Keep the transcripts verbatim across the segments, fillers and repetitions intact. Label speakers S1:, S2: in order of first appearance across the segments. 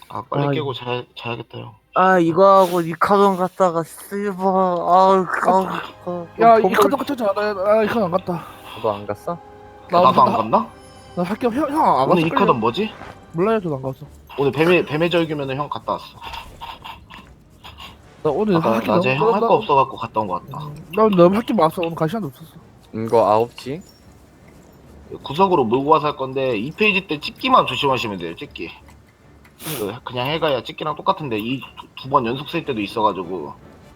S1: 아 빨리
S2: 아,
S1: 깨고 자, 자야겠다 형.
S2: 아 이거 하고 이카돈 갔다가 씨발 아우 아우 아,
S3: 야, 이
S2: 버벅
S3: 카드 같잖아. 나, 나, 이 카드 안 갔다.
S2: 너안 갔어?
S1: 아,
S3: 나,
S1: 나도 안
S3: 나,
S1: 갔나?
S3: 나 학교 형, 형안
S1: 오늘 이
S3: 갔을걸요?
S1: 카던 뭐지?
S3: 몰라요, 저도 안 갔어.
S1: 오늘 뱀의 뱀의 절규면은 형 갔다 왔어.
S3: 나 오늘
S1: 아까
S3: 학교
S1: 낮에 형 할 거
S3: 너무,
S1: 없어갖고 갔다 온 거 같다.
S3: 나, 나 너무 학교 많았어. 오늘 갈 시간도 없었어.
S2: 이거 아홉 시?
S1: 구석으로 몰고 와서 할 건데 이 페이지 때 찍기만 조심하시면 돼요. 찍기. 그 그냥 해가야 찍기랑 똑같은데 이 두 번 연속 쓸 때도 있어가지고.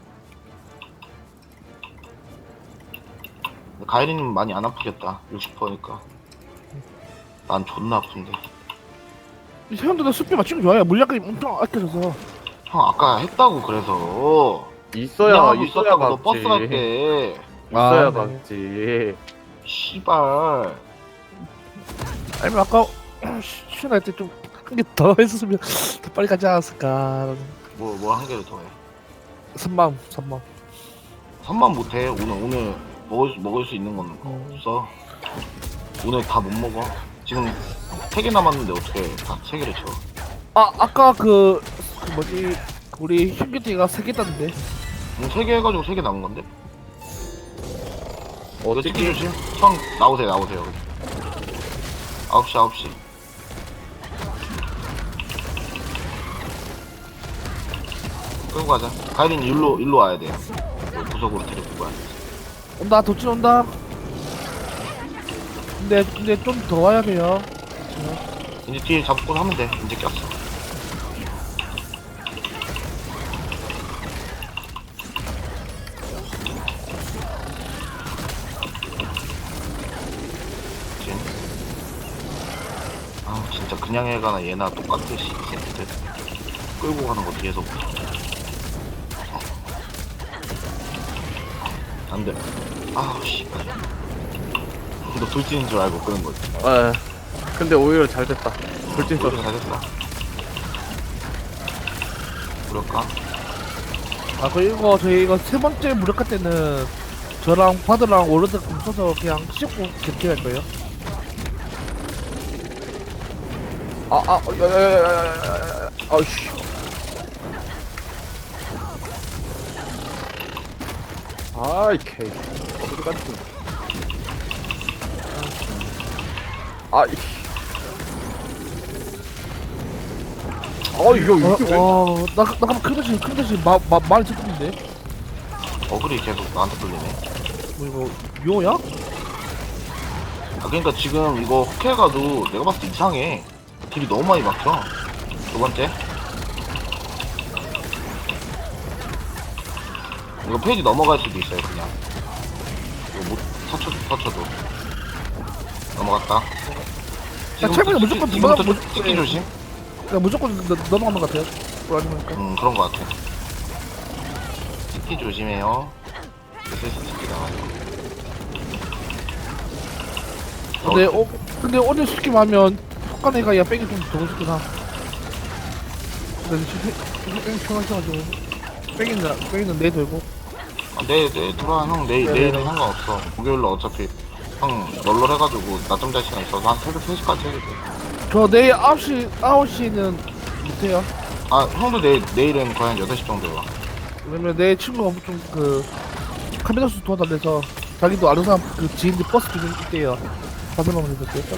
S1: 가이리님 많이 안 아프겠다. 육십 퍼센트니까. 난 존나 아픈데.
S3: 형도 나 수비 맞추는 거 좋아해. 물약이 엄청 아껴져서.
S1: 형 아까 했다고 그래서.
S2: 있어야
S1: 그냥 하고
S2: 있어야
S1: 있었다고 너
S2: 갔지.
S1: 버스 갈 때.
S2: 있어야
S3: 아, 네.
S2: 갔지.
S1: 씨발.
S3: 아니면 아까 시원할 때 좀 한 개 더 했었으면 더 빨리 가지 않았을까.
S1: 뭐 뭐 한 개를 더 해.
S3: 선망, 선망.
S1: 삼만 못해. 오늘 오늘 먹을 수, 먹을 수 있는 건 없어. 오늘 다 못 먹어. 지금 세 개 남았는데 어떻게 다 세 개를 쳐?
S3: 아, 아까 그, 그 뭐지, 우리 형규띠가 세 개 땄는데.
S1: 세 개 해가지고 세 개 남은 건데? 이거 찍기
S2: 어떻게?
S1: 조심. 형 나오세요 나오세요. 아홉 시 아홉 시. 끌고 가자. 가이린 일로 일로 와야 돼요. 구석으로 데리고 가야 돼.
S3: 온다, 도치 온다. 근데, 근데 좀 더 와야 돼요.
S1: 이제 뒤에 잡고 하면 돼. 이제 꼈어. 진. 아 진짜 그냥 해가나 얘나 똑같듯이 새끼들 끌고 가는 거 뒤에서 보자. 어. 안돼. 아우 씨발. 너 돌진인 줄 알고 끄는 거지.
S2: 아, 근데 오히려 잘 됐다. 돌진
S1: 이거
S2: 썼어.
S1: 잘 됐어. 그럴까?
S3: 아, 그리고 저희 이거 세 번째 무력화 때는 저랑 바드랑 워르드 뭉쳐서 그냥 씹고 객기할 거예요.
S2: 아, 아, 야야야야야야야. 아우씨. 아이 케이. 어디 갔지? 아, 이. 아, 이거 이게 왜?
S3: 어, 와, 나, 나 가면 큰 대신, 큰 대신 마, 마, 많이 찍는데?
S1: 어글이 계속 나한테 끌리네.
S3: 뭐 이거, 묘야?
S1: 아 그러니까 지금 이거 호켈가도 내가 봤을 때 이상해. 딜이 너무 많이 막혀. 두 번째. 이거 페이지 넘어갈 수도 있어요 그냥. 이거 못 터쳐도 터쳐도 넘어갔다.
S3: 야, 최근에 무조건
S1: 지금부터
S3: 넘어가-
S1: 찍- 찍기 조심.
S3: 야, 무조건 너, 넘어가는 것 같아요. 그러니까.
S1: 음 그런 거 같아. 찍기 조심해요. 슬슬 찍기 나와요.
S3: 근데, 어, 근데 오늘 스킵 하면 속간애가 야 뺑이 좀 더고 싶구나. 근데 지금 뺑이 편하셔가지고. 뺑이는, 뺑이는 내 들고.
S1: 아, 내일 내일 돌아 형 내일
S3: 네네네.
S1: 내일은 상관없어. 목요일로 어차피 형 널널해가지고 낮잠 잘 시간 있어서 한 새벽 세 시까지 해도 돼.
S3: 저 내일 아홉 시, 아홉 시는 못해요.
S1: 아 형도 내일 내일은 거의 한 여덟 시 정도에 와.
S3: 왜냐면 내 친구가 좀 그 카메라수 도와달래서 자기도 아는 사람 그 지인들 버스 좀 있대요. 다섯 명만 해서 돼.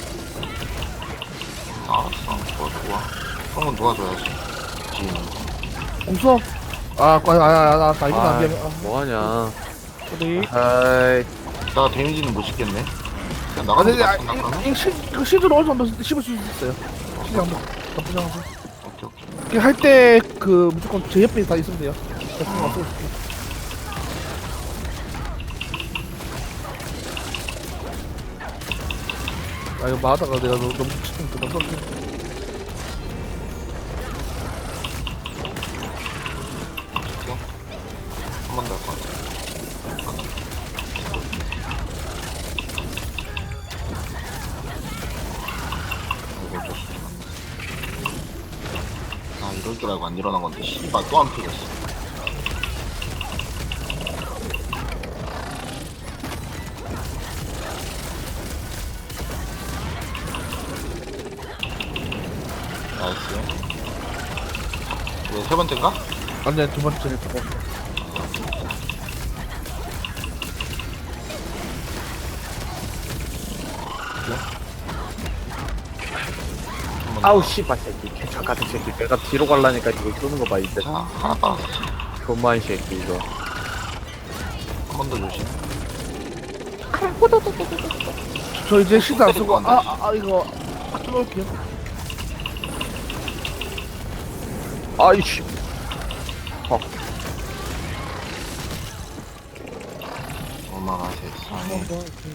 S1: 알았어 도와주고 와. 형은 도와줘야지. 지인은.
S3: 공수. 아, 아, 아, 아, 아, 나 이거 안 돼. 아,
S2: 뭐하냐?
S3: 우리.
S2: 아이,
S1: 이따가 데미지는 못 씻겠네. 그냥
S3: 아,
S1: 나가는
S3: 근데
S1: 거
S3: 아,
S1: 같은 나가면?
S3: 이 시, 그 시즌 어느 정도 씹을 수 있어요. 시장 뭐 나쁘지 않아서.
S1: 오케이 오케이.
S3: 할때 그 무조건 제 옆에 다 있으면 돼요. 없으면 없어. 아 이거 마다가 내가 너무 너무 치킨 그 너무
S1: 한 번 더 할 것 같아. 이거 어쩔 수 없어. 아 이럴 줄 알고 안 일어난 건데 씨발 또 안 풀렸어. 나이스. 네, 세 번째인가?
S3: 아니 두 번째 두 번째.
S1: 한번 더.
S2: 아우 씨발 새끼 개척 같은 새끼 내가 뒤로 갈라니까 이거 쏘는 거 봐 이제
S1: 자, 하나 빨았어.
S2: 존만 새끼 이거
S1: 한 번 더 조심.
S3: 저 이제 시도 안 쓰고
S1: 때릴 것
S3: 아아 아, 이거 아, 끊어올게요.
S2: 아이씨
S1: 엄마가 세상에.
S3: 한번 더. 이렇게.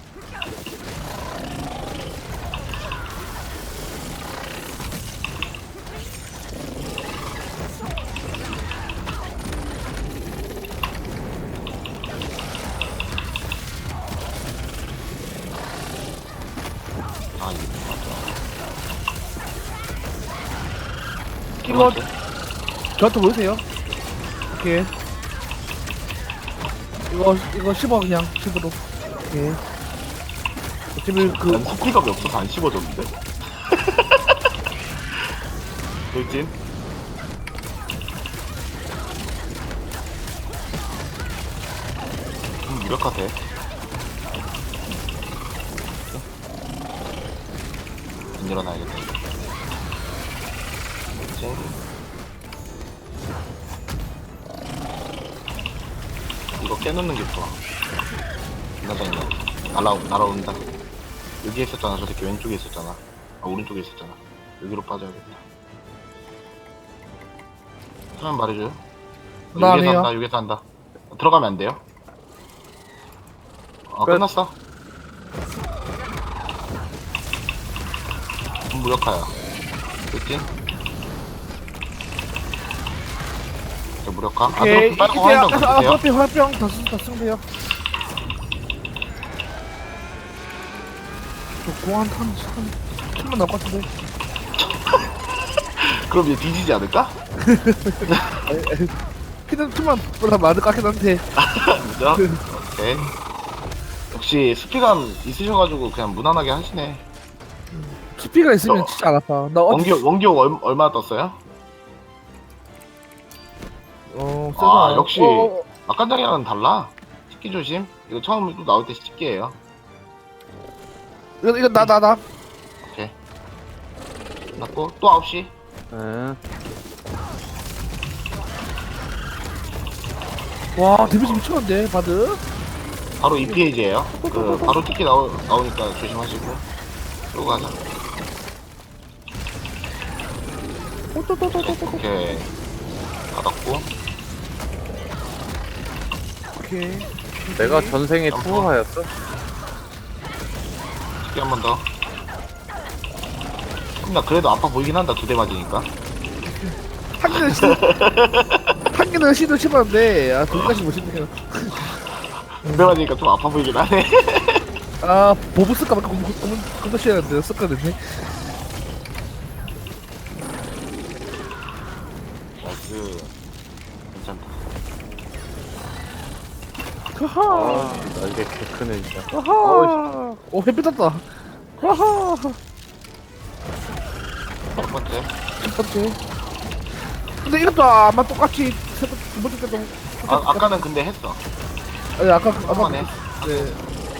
S1: 아, 이거
S3: 이거
S1: 맞아.
S3: 저한테 보세요. 오케이. 이거 이거 씹어 그냥 씹으로. 오케이. 어차피 그
S1: 난 스피가 없어서 안 씹어졌는데? 돌진? 좀 무력하대. 안 일어나야겠다. 돌진. 이거 깨놓는 게 좋아. 나장이네. 날아, 날아온다. 여기 있었잖아. 저 새끼 왼쪽에 있었잖아. 아, 오른쪽에 있었잖아. 여기로 빠져야겠다. 하면 말해줘요.
S3: 나
S1: 여기에서
S3: 아니에요.
S1: 한다, 여기서 한다. 들어가면 안 돼요. 어,
S2: 끝.
S1: 끝났어. 무력화야. 그치? 저 무력화. 아,
S3: 오케이.
S1: 그럼 빨간
S3: 이때
S1: 화염병
S3: 아까 아
S1: 드세요.
S3: 화병 화병 다쓴다 쓴대요. 저 공한 한 천만 나올 것 같은데.
S1: 그럼 얘 뒤지지 않을까?
S3: 피는 천만 보다 많을 것 같긴 한데.
S1: 그죠? 오케이. 역시 스피감 있으셔가지고 그냥 무난하게 하시네.
S3: 스피가 있으면
S1: 너-
S3: 진짜 안 아파. 나 어디
S1: 원기옥, 원기옥 얼, 얼마 떴어요?
S3: 어
S1: 아,
S3: 세다.
S1: 역시.
S3: 어, 어,
S1: 아까 장이랑은 달라. 식기 조심. 이거 처음 또 나올 때 식기예요.
S3: 이거 이거 나 나 나.
S1: 오케이. 났고 또 아홉 시.
S2: 응
S3: 와 데미지 미쳤는데 바드.
S1: 바로 이 페이지예요. 그 바로 특기 나오, 나오니까 조심하시고. 또 가자. 오케이. 받았고.
S3: 오케이.
S2: 내가 전생에 투어하였어?
S1: 특기 한 번 더. 나 그래도 아파 보이긴 한다. 두 대 맞으니까.
S3: 한 개는 시, 한 개는 시도 씹었는데 아 둘까지 못 씹네요.
S1: 두 대 맞으니까 좀 아파 보이긴 하네.
S3: 아 보브 쓸까 말까 고민 고민 고민 시했는데 쓸거든요.
S1: 나이스. 괜찮다.
S3: 하하.
S2: 나 이게 개 크네 진짜
S3: 하하. 오 햇빛 떴다. 하하.
S1: 첫 번째.
S3: 첫 번째. 근데 이것도 아마 똑같이 세 번, 두 번째 때도.
S1: 아, 아까는 근데 했어.
S3: 아니 아까 아까
S1: 한번에.
S3: 네.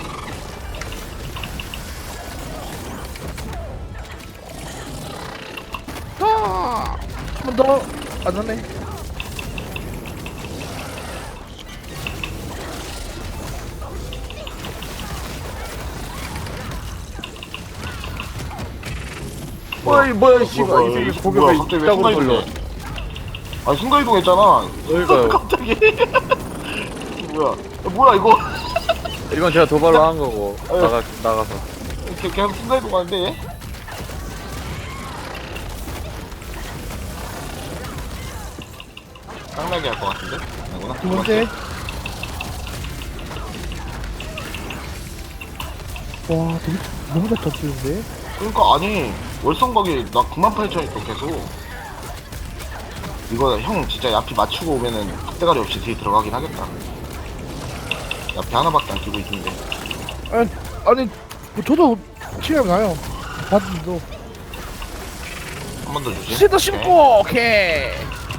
S3: 아, 한 번 더. 안 하네.
S2: 어이 뭐야 씨발
S1: 뭐야,
S2: 이 새끼
S1: 이거
S2: 고개가
S1: 뭐야, 갑자기 왜
S2: 있다고
S1: 순간
S2: 걸려
S1: 이동해? 아 순간 이동했잖아.
S2: 그러니까요
S1: 갑자기. 뭐야? 야, 뭐야 이거?
S2: 이건 제가 도발로 한 거고
S1: 어.
S2: 나가, 나가서
S1: 이렇게 계속 순간 이동하는데 얘? 깡나게 할 것 같은데? 아니구나.
S3: 두 번째. 와, 되게 너무 잘 터지는데?
S1: 그러니까 아니 월성각이 나 구만 팔천이 또 계속. 이거 형 진짜 야피 맞추고 오면은 박대가리 없이 뒤에 들어가긴 하겠다. 야피 하나밖에 안 끼고 있는데.
S3: 아니, 아니, 뭐 저도 치료가 나요. 바드도.
S1: 한 번 더 주지.
S3: 시도
S1: 오케이.
S3: 심고, 오케이.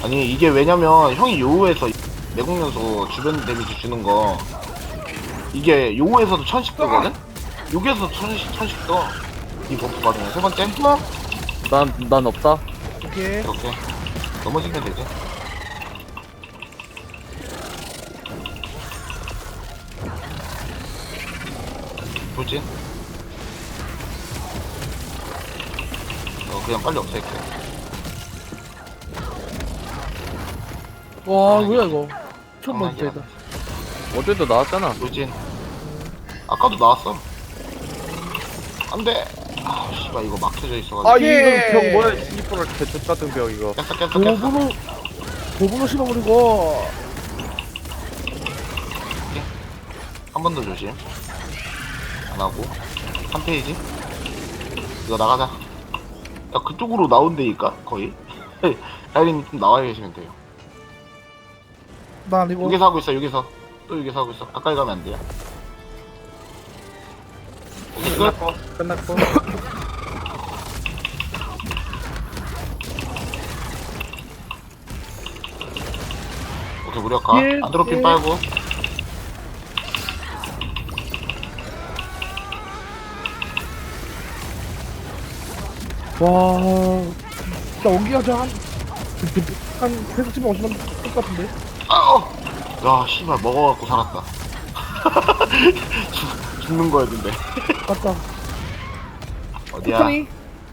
S1: 아니 이게 왜냐면 형이 요우에서 내공연소 주변 데미지 주는 거 이게 요우에서도 천씩 뜨거든? 여기에서 천씩 천씩 떠. 이 버프 받으면 세 번째
S2: 난, 난 없다.
S3: 오케이.
S1: 이렇게 넘어지면 되지. 돌진. 어 그냥 빨리 없앨게.
S3: 와 뭐야 이거. 처음
S1: 장난이야.
S3: 봤다 이거.
S2: 어제도 나왔잖아.
S1: 돌진. 아까도 나왔어. 안돼. 아 씨발 이거 막혀져 있어가지고.
S2: 아,
S3: 오케이.
S2: 이거 벽 뭐야? 이뻐라 개쪽 같은 벽, 이거.
S1: 깼어 깼어 깼어.
S3: 도구로 도구로 씹어버리고.
S1: 한 번 더 조심. 안 하고 한 페이지. 이거 나가자. 야 그쪽으로 나온다니까 거의. 다이린님 좀 나와 계시면 돼요.
S3: 나 아니고.
S1: 여기서 하고 있어 여기서. 또 여기서 하고 있어. 가까이 가면 안 돼요. 오케이 끝.
S2: 끝났고. 끝났고.
S1: 오케이 무력화.
S3: 예,
S1: 안드로핀
S3: 예.
S1: 빨고.
S3: 와. 진짜 원기가 저한 한 계속 집에 오시면 될 것 같은데.
S1: 아우. 야 씨발 먹어갖고 살았다. 죽, 죽는 거였는데.
S3: 맞다.
S1: 어디야?
S3: 코타니.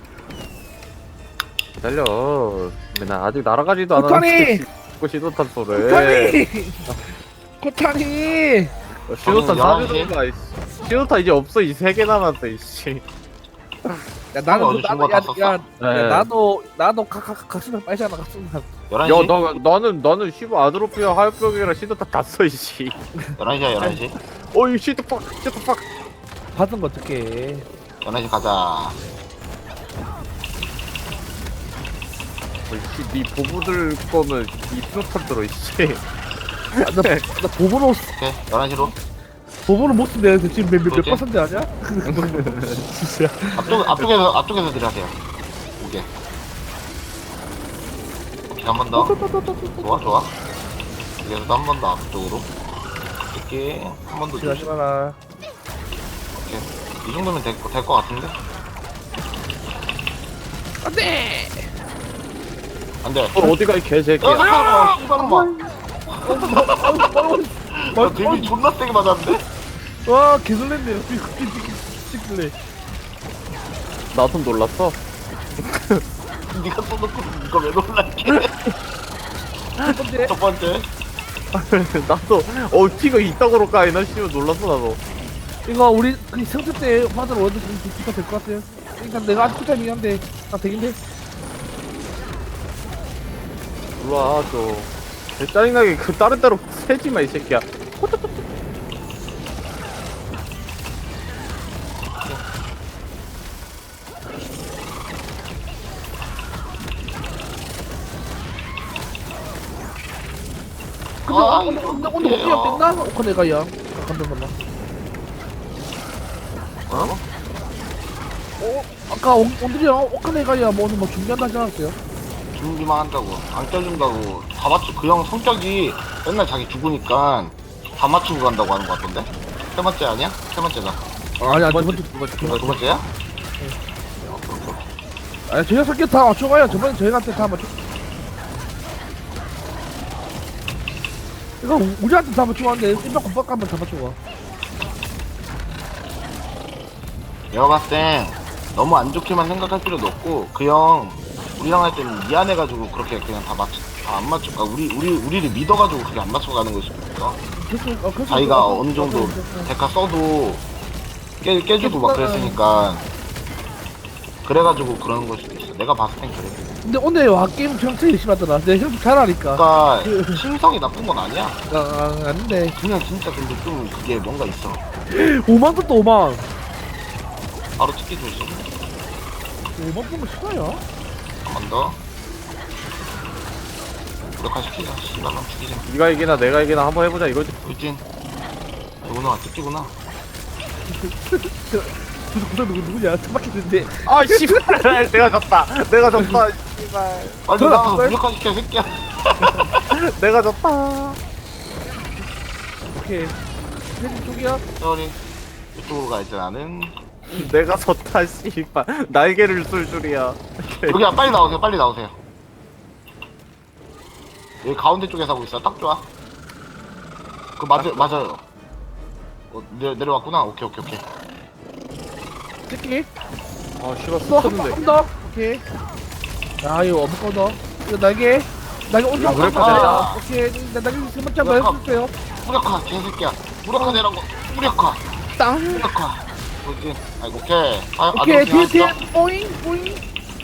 S2: 기다려. 맨날 아직 날아가지도
S3: 코타니!
S2: 않았는데. 고 시도탄 소래.
S3: 코타니. 코타니.
S2: 시도탄
S1: 저는
S2: 사주는 거야, 이씨. 시도탄 이제 없어. 이 세 개 남았어, 이씨.
S3: 야 나는
S1: 어제
S3: 그-
S1: 준거
S3: 나도
S1: 다
S3: 야,
S1: 썼어?
S3: 야,
S2: 네.
S3: 야 나도 나도 각각 각수는 빨잖아 각수는.
S1: 열한 시?
S2: 야, 나, 나는, 나는 시브 아드로피아 하이벽이랑 시도탄 다 써, 이씨.
S1: 열한 시야 열한 시.
S2: 어이, 시도팍, 시도팍.
S3: 받은 거 어떡해.
S1: 열한 시 가자.
S2: 이씨, 니 보부들 거면 이 시도탄 들어, 이씨.
S3: 나, 나 보보로
S1: 오케이 열한 시로.
S3: 보보로 못 쓴대. 지금 몇, 몇, 몇
S1: 그렇지?
S3: 퍼센트 아냐? 진짜.
S1: 앞쪽 앞쪽에서 앞쪽에서 딜하세요. 오케이. 오케이 한 번 더. 좋아 좋아. 여기서도 한 번 더 앞쪽으로. 이렇게 한 번 더
S3: 지나지
S1: 조심.
S3: 마라.
S1: 오케이. 이 정도면 될것 될것 같은데.
S3: 안돼.
S1: 안돼.
S2: 어, 어디가 이 개새끼야.
S1: 아 씨발놈아.
S3: 어,
S1: 야 데미 존나 세게 맞았는데.
S3: 와 개설렌네. 찍길래.
S2: 나도 놀랐어.
S1: 네가 쏘놓고 이거 왜 놀랄게.
S3: 첫 번째.
S1: 첫 번째.
S2: 나도, 어, 티가 이따구로 까이나? 씨발, 놀랐어, 나도.
S3: 이거 우리 그 성적 때 받은 월드 비슷가 될 것 같아요. 그러니까 내가 아직 쿠타이밍 한데 나 되긴데.
S2: 일로와, 또. 개 짜증나게 그 다른 데로 새지 마, 이 새끼야.
S3: 근데
S1: 아,
S3: 오늘
S1: 이거
S3: 오늘
S1: 어떡해요.
S3: 오늘 못 됐나? 오카 내가 야. 감동 감동.
S1: 어?
S3: 어 아까 오- 오늘이야 오카 내가 야뭐 오늘 뭐 준비한다 하지 않았어요?
S1: 준비만 한다고 안 껴준다고 다 맞추 그 형 성격이 맨날 자기 죽으니까 다 맞추고 간다고 하는 거 같던데? 세 번째 아니야? 세 번째다.
S3: 아니 아니 두
S2: 두
S3: 번째
S2: 두 번째, 두
S1: 이거
S2: 번째.
S1: 두 번째야?
S3: 아니 저희가 설계 다 맞춰가요. 저번에 저희한테 다 맞춰. 이거 우- 우리한테 다 맞추고 왔는데 일박 공박 한번 다 맞추고.
S1: 내가 봤을 땐 너무 안 좋게만 생각할 필요도 없고 그 형 우리랑 할 때는 미안해가지고 그렇게 그냥 다 맞추 다 안 맞출까 우리 우리 우리를 믿어가지고 그렇게 안 맞추고 가는 걸 수도 있어.
S3: 그래서 어, 그래서
S1: 자기가
S3: 어,
S1: 어느 정도
S3: 어, 어, 어.
S1: 데카 써도 깨, 깨주고 막 그랬으니까 그래가지고 그러는 걸 수도 있어. 내가 봤을 땐 그래.
S3: 근데 오늘 와 게임 정체 열심히 하더라. 내 형도 잘하니까.
S1: 그러니까 심성이 나쁜 건 아니야.
S3: 아, 아 아닌데.
S1: 그냥 진짜 근데 좀 그게 뭔가 있어.
S3: 오만 떴다 오만.
S1: 바로 찍기 조심.
S3: 오만 뜬거 싫어요?
S1: 한 번 더. 무력화 시키자. 씨발만 죽이자.
S2: 네가 이기나 내가 이기나 한번 해보자, 이거지.
S1: 울진. 누구나 찍기구나.
S3: 누구 누구 누구 누구냐? 처박혔는데.
S2: 아, 씨발. 내가 졌다. 내가 졌다, 씨발.
S1: 빨리
S3: 전화
S1: 나가서
S3: 바꿔요?
S1: 무력화 시켜 새끼야.
S2: 내가 졌다.
S3: 오케이. 혜진 쪽이야.
S1: 저리 이쪽으로 가야지 나는.
S2: 내가 졌다 씨발. 날개를 쏠 줄이야.
S1: 여기야 빨리 나오세요. 빨리 나오세요. 여기 가운데 쪽에서 하고 있어. 딱 좋아. 그 맞아 맞아요. 어, 내려 내려왔구나. 오케이 오케이 오케이.
S3: 찍기.
S2: 아 씨발
S3: 너한번
S2: 쳤는데.
S3: 더. 오케이. 야 이거 어묵 더. 이거 날개. 날개 온다.
S2: 아, 그래,
S1: 아.
S3: 오케이. 나 날개 세 번째 한번 해주세요.
S1: 무력화 개새끼야. 무력화 내라고. 무력화.
S3: 땅.
S1: 무력화. 뭐지? 아이고 오케이. 아,
S3: 오케이.
S1: 아,
S3: 뒤에 뒤에.
S1: 알았어?
S3: 오잉 오잉.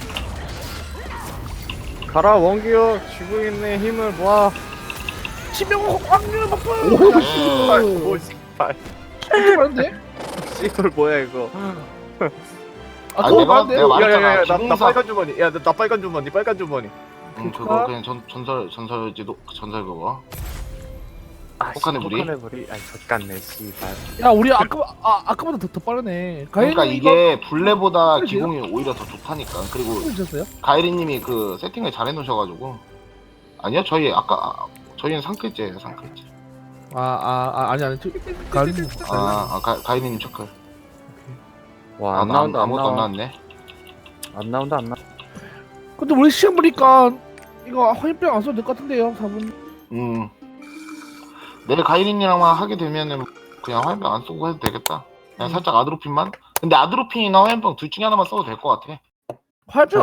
S2: 가라 원기요. 쥐고 있네 힘을 모아.
S3: 치명 확률 높아.
S2: 오 씨발. 오 씨발.
S3: 많은데?
S2: 씨발 뭐야 이거.
S3: 아,
S1: 아,
S3: 그거
S1: 내가-
S3: 많은데?
S1: 내가 말했잖아.
S2: 야야야야 나, 나
S1: 기공사.
S2: 빨간 주머니. 야나 나 빨간 주머니 빨간 주머니.
S1: 음 그거 그냥 전 전설 전설지도 전설 그거.
S2: 아,
S1: 혹한의 무리?
S2: 혹한의 무리. 아이 젖같네 씨발.
S3: 야 우리 아까 아 아까보다 더, 더 빠르네.
S1: 그러니까
S3: 가인이
S1: 이게 블레보다
S3: 그러지요?
S1: 기공이 오히려 더 좋다니까. 그리고
S3: 이거 주셨어요?
S1: 가이리님이 그 세팅을 잘 해놓으셔가지고. 아니요 저희 아까 아, 저희는 상클제예요 상클제.
S3: 아아 아, 아니 아니 저 가인이.
S1: 아, 아 가, 가이리님 초클.
S2: 와
S1: 아,
S2: 안
S1: 나
S2: 나온다 안
S1: 아무것도 안
S2: 나와.
S1: 나왔네.
S2: 안 나온다 안 나.
S3: 근데 우리 시험 보니까 이거 화염병 안 써도 될 것 같은데요, 사 분.
S1: 음. 내일 가이리님이랑만 하게 되면은 그냥 화염병 안 쓰고 해도 되겠다. 그냥
S3: 음.
S1: 살짝 아드로핀만. 근데 아드로핀이나 화염병 둘 중에 하나만 써도 될 것 같아.
S3: 화염병